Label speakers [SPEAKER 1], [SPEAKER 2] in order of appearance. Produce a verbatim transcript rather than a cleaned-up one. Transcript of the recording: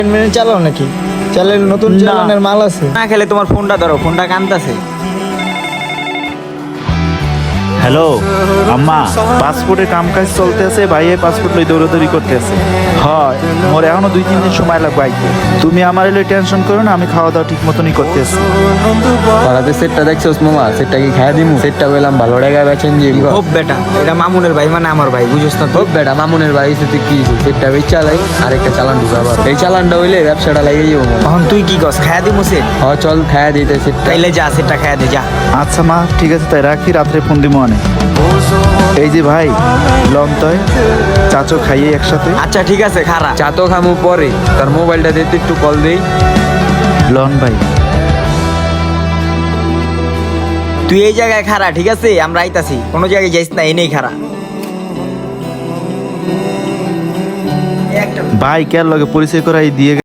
[SPEAKER 1] মেনে চালাও নাকি? চালের নতুন
[SPEAKER 2] না।
[SPEAKER 1] চালানের মাল আছে।
[SPEAKER 2] না খেলে তোমার ফোনটা ধরো, ফোনটা কানতাছে।
[SPEAKER 3] হ্যালো আম্মা, পাসপোর্টের কাম কাজ চলতে আছে, ভাই এই পাসপোর্ট লই দৌড়াদৌড়ি করতে আছে। হয় মোর এখনো দুই তিন দিন সময় লাগবে আইতে। তুমি আমার এলে টেনশন করো না, আমি খাওয়া দাওয়া ঠিক মতনই করতে আছি।
[SPEAKER 4] পাড়াতে সেটটা দেখছোস মামা, সেটটা কি খাইয়া দিমু? সেটটা বললাম ভালো টাকা বেচেন যে
[SPEAKER 2] হোপ বেটা, এটা মামুনের ভাই মানে আমার ভাই, বুঝছ না তো?
[SPEAKER 4] হোক বেটা, মামুনের বাড়ি সাথে কি সেটটা বেচ চালাই আর একটা চালান ঢুকা আবার। এই চালানটা হইলে ব্যবসাটা লাগিয়ে যাবো মামা।
[SPEAKER 2] তখন তুই কি কস, খায়া দিমু সে?
[SPEAKER 4] হ চল খাইয়া দিতে সেটটা।
[SPEAKER 2] তাইলে যা, সেটা খায়া দে যা।
[SPEAKER 3] আচ্ছা মা, ঠিক আছে তাই রাখি, রাত্রে ফোন দিব অনেক। এই যে ভাই লন তয় চাচো খাইয়ে একসাথে।
[SPEAKER 2] আচ্ছা ঠিক আছে, খারা।
[SPEAKER 4] চা তো খামু পরে, তার মোবাইলটা দিতে একটু কল দেই।
[SPEAKER 3] লন ভাই।
[SPEAKER 2] তুই এই জায়গায় খারা, ঠিক আছে? আমরা আইতাছি, কোনো জায়গায় যাইস না, এনেই খারা।
[SPEAKER 3] ভাই কেন লগে পরিচয় করাই দিয়ে